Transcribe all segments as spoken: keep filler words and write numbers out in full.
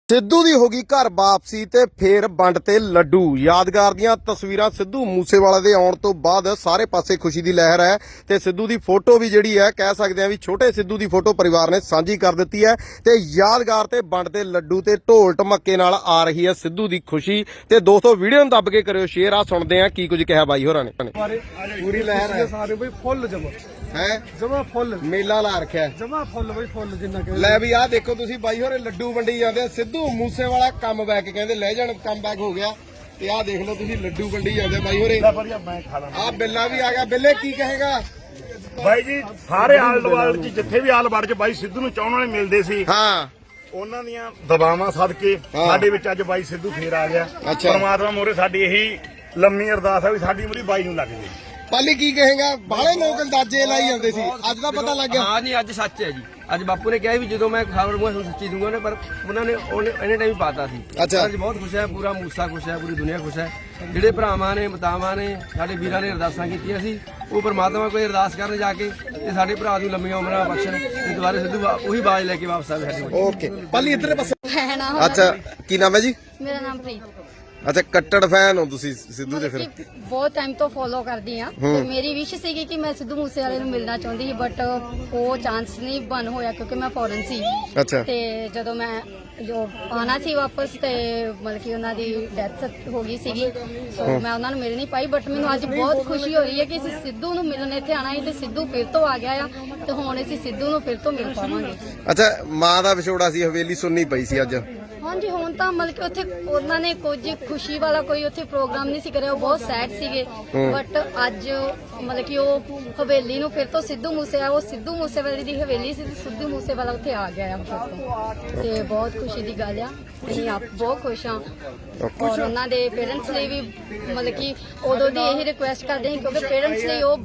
ਸਿੱਧੂ ਦੀ ਹੋ ਗਈ ਘਰ ਵਾਪਸੀ ਤੇ ਫੇਰ ਵੰਡ ਤੇ ਲੱਡੂ। ਯਾਦਗਾਰ ਦੀਆਂ ਤਸਵੀਰਾਂ ਸਿੱਧੂ ਮੂਸੇਵਾਲੇ ਦੇ ਆਉਣ ਤੋਂ ਬਾਅਦ ਸਾਰੇ ਪਾਸੇ ਖੁਸ਼ੀ ਦੀ ਲਹਿਰ ਹੈ ਤੇ ਸਿੱਧੂ ਦੀ ਫੋਟੋ ਵੀ ਜਿਹੜੀ ਹੈ ਕਹਿ ਸਕਦੇ ਆ ਵੀ ਛੋਟੇ ਸਿੱਧੂ ਦੀ ਫੋਟੋ ਪਰਿਵਾਰ ਨੇ ਸਾਂਝੀ ਕਰ ਦਿੱਤੀ ਹੈ ਤੇ ਯਾਦਗਾਰ ਤੇ ਵੰਡ ਤੇ ਲੱਡੂ ਤੇ ਢੋਲ ਢਮੱਕੇ ਨਾਲ ਆ ਰਹੀ ਹੈ ਸਿੱਧੂ ਦੀ ਖੁਸ਼ੀ। ਤੇ ਦੋਸਤੋ ਵੀਡੀਓ ਨੂੰ ਦੱਬ ਕੇ ਕਰਿਓ ਸ਼ੇਅਰ। ਆ ਸੁਣਦੇ ਆ ਕੀ ਕੁਝ ਕਿਹਾ ਬਾਈ ਹੋਰਾਂ ਨੇ। ਪੂਰੀ ਲਹਿਰ ਹੈ ਸਾਰੇ ਬਈ ਫੁੱਲ ਜਮਾ ਹੈ ਜਮਾ ਫੁੱਲ ਮੇਲਾ ਲਾ ਰੱਖਿਆ ਜਮਾ ਫੁੱਲ ਬਈ ਫੁੱਲ ਜਿੰਨਾ ਕਿ ਲੈ ਵੀ ਆਹ ਦੇਖੋ ਤੁਸੀਂ ਬਾਈ ਹੋਰੇ ਲੱਡੂ ਵੰਡੀ ਜਾਂਦੇ ਆ। ਸਿੱਧੂ ਮੂਸੇਵਾਲਾ ਕਮ ਬੈਕ ਕਹਿੰਦੇ ਲੈ ਜਾਣ ਕਮ ਬੈਕ ਹੋ ਗਿਆ ਤੇ ਆਹ ਦੇਖ ਲਓ ਤੁਸੀਂ ਲੱਡੂ ਵੰਡੀ ਜਾਂਦੇ ਬਾਈ ਹੋਰੇ। ਮੈਂ ਖਾ ਲਾਂ ਆਹ ਬਿੱਲਾ ਵੀ ਆ ਗਿਆ। ਬਿੱਲੇ ਕੀ ਕਹੇਗਾ ਬਾਈ ਜੀ? ਸਾਰੇ ਆਲ ਵਰਲਡ ਚ ਜਿੱਥੇ ਵੀ ਆਲ ਵਰਲਡ ਚ ਬਾਈ ਸਿੱਧੂ ਨੂੰ ਚਾਹਣ ਵਾਲੇ ਮਿਲਦੇ ਸੀ, ਹਾਂ ਉਹਨਾਂ ਦੀਆਂ ਦਬਾਵਾਂ ਸਦਕੇ ਸਾਡੇ ਵਿੱਚ ਅੱਜ ਬਾਈ ਸਿੱਧੂ ਫੇਰ ਆ ਗਿਆ। ਅੱਛਾ। ਪਰਮਾਤਮਾ ਮੋਰੇ ਸਾਡੀ ਇਹੀ ਲੰਮੀ ਅਰਦਾਸ ਹੈ ਵੀ ਸਾਡੀ ਉਮਰ ਬਾਈ ਨੂੰ ਲੱਗ ਜੇ। ਪਾਲੀ ਕੀ ਕਹੇਗਾ? ਬਾਹਲੇ ਲੋਕ ਅੰਦਾਜ਼ੇ ਲਾਈ ਜਾਂਦੇ ਸੀ, ਅੱਜ ਦਾ ਪਤਾ ਲੱਗ ਗਿਆ। ਹਾਂ ਜੀ, ਅੱਜ ਸੱਚ ਹੈ ਜੀ। ਅੱਜ ਬਾਪੂ ਨੇ ਕਿਹਾ ਵੀ ਜਦੋਂ ਮੈਂ ਖਬਰ ਮੈਂ ਤੁਹਾਨੂੰ ਸੱਚੀ ਦੂੰਗਾ ਨੇ, ਪਰ ਉਹਨਾਂ ਨੇ ਉਹਨੇ ਇਹਨੇ ਟਾਈਮ ਪਾਤਾ ਸੀ। ਅੱਛਾ। ਅੱਜ ਬਹੁਤ ਖੁਸ਼ ਹੈ, ਪੂਰਾ ਮੂਸਾ ਖੁਸ਼ ਹੈ, ਪੂਰੀ ਦੁਨੀਆ ਖੁਸ਼ ਹੈ। ਜਿਹੜੇ ਭਰਾਵਾਂ ਨੇ ਮਾਤਾਵਾਂ ਨੇ ਸਾਡੇ ਵੀਰਾਂ ਨੇ ਅਰਦਾਸਾਂ ਕੀਤੀਆਂ ਸੀ, ਉਹ ਪਰਮਾਤਮਾ ਕੋਈ ਅਰਦਾਸ ਕਰਨ ਜਾ ਕੇ ਤੇ ਸਾਡੇ ਭਰਾ ਦੀ ਲੰਮੀਆਂ ਉਮਰਾਂ ਬਖਸ਼ਣ ਤੇ ਦੁਬਾਰੇ ਸਿੱਧੂ ਉਹੀ ਬਾਜ ਲੈ ਕੇ ਵਾਪਸ ਆਵੇ ਸਾਡੇ ਕੋਲ। ਓਕੇ ਪਾਲੀ ਇੱਧਰ ਪਾਸੇ। ਹੈ ਨਾ। ਅੱਛਾ ਕੀ ਨਾਮ ਹੈ ਜੀ? ਮੇਰਾ ਨਾਮ ਪ੍ਰੀਤ। ਅੱਛਾ ਕੱਟੜ ਫੈਨ ਹੋ ਤੁਸੀਂ ਸਿੱਧੂ ਦੇ ਫਿਰ? ਕਿ ਬਹੁਤ ਟਾਈਮ ਤੋਂ ਫੋਲੋ ਕਰਦੀ ਆ ਤੇ ਮੇਰੀ ਵਿਸ਼ ਸੀਗੀ ਕਿ ਮੈਂ ਸਿੱਧੂ ਮੂਸੇਵਾਲੇ ਨੂੰ ਮਿਲਣਾ ਚਾਹੁੰਦੀ ਸੀ, ਬਟ ਉਹ ਚਾਂਸ ਨਹੀਂ ਬਣ ਹੋਇਆ ਕਿਉਂਕਿ ਮੈਂ ਫੋਰਨ ਸੀ। ਅੱਛਾ। ਤੇ ਜਦੋਂ ਮੈਂ ਜੋ ਆਣਾ ਸੀ ਵਾਪਸ ਤੇ ਮਤਲਬ ਕਿ ਉਹਨਾਂ ਦੀ ਡੈਥ ਹੋ ਗਈ ਸੀਗੀ, ਸੋ ਮੈਂ ਉਹਨਾਂ ਨੂੰ ਮਿਲ ਨਹੀਂ ਪਾਈ। ਬਟ ਮੈਨੂੰ ਅੱਜ ਬਹੁਤ ਖੁਸ਼ੀ ਹੋ ਰਹੀ ਹੈ ਕਿ ਅਸੀਂ ਸਿੱਧੂ ਨੂੰ ਮਿਲਣ ਇੱਥੇ ਆਣਾ ਸੀ ਤੇ ਸਿੱਧੂ ਫਿਰ ਤੋਂ ਆ ਗਿਆ ਆ ਤੇ ਹੁਣ ਅਸੀਂ ਸਿੱਧੂ ਨੂੰ ਫਿਰ ਤੋਂ ਮਿਲ ਪਾਵਾਂਗੇ। ਅੱਛਾ ਮਾਂ ਦਾ ਵਿਛੋੜਾ ਸੀ, ਹਵੇਲੀ ਸੁਣਨੀ ਪਈ ਸੀ ਅੱਜ। ਹਾਂਜੀ ਹੁਣ ਤਾਂ ਮਤਲਬ ਕਿ ਉੱਥੇ ਉਹਨਾਂ ਨੇ ਕੁਝ ਖੁਸ਼ੀ ਵਾਲਾ ਕੋਈ ਉੱਥੇ ਪ੍ਰੋਗਰਾਮ ਨਹੀਂ ਸੀ ਕਰਿਆ, ਉਹ ਬਹੁਤ ਸੈਡ ਸੀਗੇ। ਬਟ ਅੱਜ ਮਤਲਬ ਕਿ ਉਹ ਹਵੇਲੀ ਨੂੰ ਫਿਰ ਤੋਂ ਸਿੱਧੂ ਮੂਸੇ ਆ ਉਹ ਸਿੱਧੂ ਮੂਸੇਵਾਲੇ ਦੀ ਹਵੇਲੀ ਸੀ ਤੇ ਸਿੱਧੂ ਮੂਸੇਵਾਲਾ ਉੱਥੇ ਆ ਗਿਆ ਆ ਫਿਰ ਤੋਂ, ਤੇ ਬਹੁਤ ਖੁਸ਼ੀ ਦੀ ਗੱਲ ਆ। ਅਸੀਂ ਆਪ ਬਹੁਤ ਖੁਸ਼ ਹਾਂ ਔਰ ਉਹਨਾਂ ਦੇ ਪੇਰੈਂਟਸ ਲਈ ਵੀ ਮਤਲਬ ਕਿ ਉਦੋਂ ਦੀ ਇਹੀ ਰਿਕੁਐਸਟ ਕਰਦੇ ਸੀ ਕਿਉਂਕਿ ਪੇਰੈਂਟਸ ਲਈ ਉਹ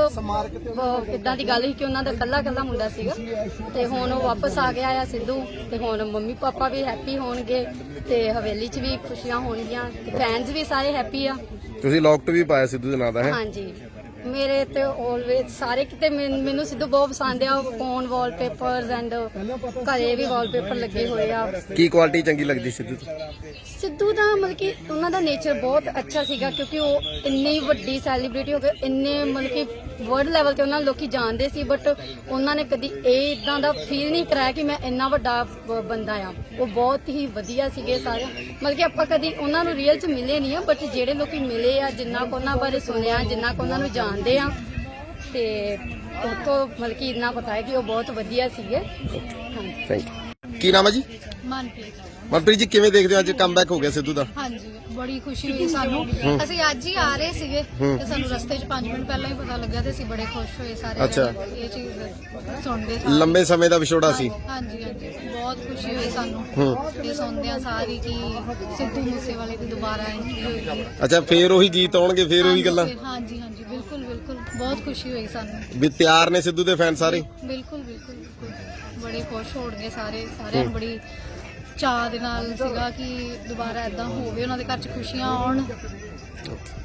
ਬਹੁਤ ਇਦਾਂ ਦੀ ਗੱਲ ਸੀ ਕਿ ਉਹਨਾਂ ਦਾ ਕੱਲਾ ਕੱਲਾ ਮੁੰਡਾ ਸੀਗਾ ਤੇ ਹੁਣ ਉਹ ਵਾਪਸ ਆ ਗਿਆ ਆ ਸਿੱਧੂ ਤੇ ਹੁਣ ਮੰਮੀ ਪਾਪਾ ਵੀ ਹੈਪੀ ਹੋਣਗੇ ਤੇ ਹਵੇਲੀ 'ਚ ਵੀ ਖੁਸ਼ੀਆਂ ਹੋਣਗੀਆਂ ਤੇ ਫੈਨਸ ਵੀ ਸਾਰੇ ਹੈਪੀ ਆ। ਤੁਸੀਂ ਲੋਕਟ ਵੀ ਪਾਇਆ ਸਿੱਧੂ ਦੇ ਨਾਂ ਦਾ ਹੈ? ਹਾਂਜੀ ਮੇਰੇ ਤੇ ਆਲਵੇਜ਼ ਸਾਰੇ ਕਿਤੇ ਮੈਨ- ਮੈਨੂੰ ਸਿੱਧੂ ਬਹੁਤ ਪਸੰਦ ਆ। ਫੋਨ ਵਾਲਪੇਪਰਸ ਐਂਡ ਘਰੇ ਵੀ ਵਾਲਪੇਪਰ ਲੱਗੇ ਹੋਏ ਆ। ਕੀ ਕੁਆਲਿਟੀ ਚੰਗੀ ਲੱਗਦੀ ਸਿੱਧੂ ਤੋਂ? ਸਿੱਧੂ ਦਾ ਮਤਲਬ ਕਿ ਉਹਨਾਂ ਦਾ ਨੇਚਰ ਬਹੁਤ ਅੱਛਾ ਸੀਗਾ ਕਿਉਂਕਿ ਉਹ ਇੰਨੀ ਵੱਡੀ ਸੈਲੀਬ੍ਰਿਟੀ ਹੋ ਗਏ, ਇੰਨੇ ਮਤਲਬ ਕਿ ਵਰਲਡ ਲੈਵਲ ਤੇ ਉਹਨਾਂ ਨੂੰ ਲੋਕੀ ਜਾਣਦੇ ਸੀ, ਬਟ ਉਹਨਾਂ ਨੇ ਕਦੀ ਇਹ ਇਦਾਂ ਦਾ ਫੀਲ ਨਹੀਂ ਕਰਾਇਆ ਕਿ ਮੈਂ ਇੰਨਾ ਵੱਡਾ ਬ- ਬੰਦਾ ਆ। ਉਹ ਬਹੁਤ ਹੀ ਵਧੀਆ ਸੀਗੇ ਸਾਰੇ, ਮਤਲਬ ਕਿ ਆਪਾਂ ਕਦੀ ਉਹਨਾਂ ਨੂੰ ਰੀਅਲ 'ਚ ਮਿਲੇ ਨਹੀਂ ਆ, ਬਟ ਜਿਹੜੇ ਲੋਕੀ ਮਿਲੇ ਆ, ਜਿੰਨਾ ਕੁ ਉਹਨਾਂ ਬਾਰੇ ਸੁਣਿਆ, ਜਿੰਨਾ ਕੁ ਉਹਨਾਂ ਨੂੰ ਜਾਣਦੇ ਆ ਤੇ ਉਹ ਤੋਂ ਮਤਲਬ ਕਿ ਇੰਨਾ ਪਤਾ ਹੈ ਕਿ ਉਹ ਬਹੁਤ ਵਧੀਆ ਸੀਗੇ। ਹਾਂਜੀ ਥੈਂਕ ਯੂ। ਕੀ ਨਾਮ ਹੈ ਜੀ? ਮਨਪ੍ਰੀਤ। ਮਨਪ੍ਰੀਤ ਜੀ ਕਿਵੇਂ ਦੇਖਦੇ ਹੋ ਅੱਜ ਕਮਬੈਕ ਹੋ ਗਿਆ ਸਿੱਧੂ ਦਾ? ਹਾਂਜੀ ਬੜੀ ਖੁਸ਼ੀ ਹੋਈ ਸਾਨੂੰ। ਅਸੀਂ ਅੱਜ ਹੀ ਆ ਰਹੇ ਸੀਗੇ ਤੇ ਸਾਨੂੰ ਰਸਤੇ 'ਚ ਪੰਜ ਮਿੰਟ ਪਹਿਲਾਂ ਹੀ ਪਤਾ ਲੱਗਿਆ ਤੇ ਅਸੀਂ ਬੜੇ ਖੁਸ਼ ਹੋਏ ਸਾਰੇ ਅੱਛਾ। ਜਣੇ ਇਹ ਚੀਜ਼ ਸੁਣਦੇ ਸਾਰੇ। ਲੰਬੇ ਸਮੇਂ ਦਾ ਵਿਛੋੜਾ ਸੀ। ਹਾਂਜੀ ਹਾਂਜੀ ਬਹੁਤ ਖੁਸ਼ੀ ਹੋਈ ਸਾਨੂੰ ਇਹ ਸੁਣਦੇ ਆ ਸਾਰੀ ਕਿ ਸਿੱਧੂ ਮੂਸੇਵਾਲੇ ਦੀ ਦੁਬਾਰਾ ਐਂਟਰੀ ਹੋਈ। ਅੱਛਾ ਫੇਰ ਉਹੀ ਗੀਤ ਆਉਣਗੇ, ਫੇਰ ਉਹੀ ਗੱਲਾਂ? ਹਾਂਜੀ ਹਾਂਜੀ ਬਿਲਕੁਲ ਬਿਲਕੁਲ ਬਹੁਤ ਖੁਸ਼ੀ ਹੋਈ ਸਾਨੂੰ ਵੀ ਤਿਆਰ ਨੇ ਸਿੱਧੂ ਦੇ ਫੈਨ ਸਾਰੇ? ਬਿਲਕੁਲ ਬਿਲਕੁਲ ਬਿਲਕੁਲ ਬੜੇ ਖੁਸ਼ ਹੋਣਗੇ ਸਾਰੇ ਸਾਰਿਆਂ ਨੂੰ ਬੜੀ ਚਾਅ ਦੇ ਨਾਲ ਸੀਗਾ ਕਿ ਦੁਬਾਰਾ ਏਦਾਂ ਹੋਵੇ, ਉਹਨਾਂ ਦੇ ਘਰ 'ਚ ਖੁਸ਼ੀਆਂ ਆਉਣ।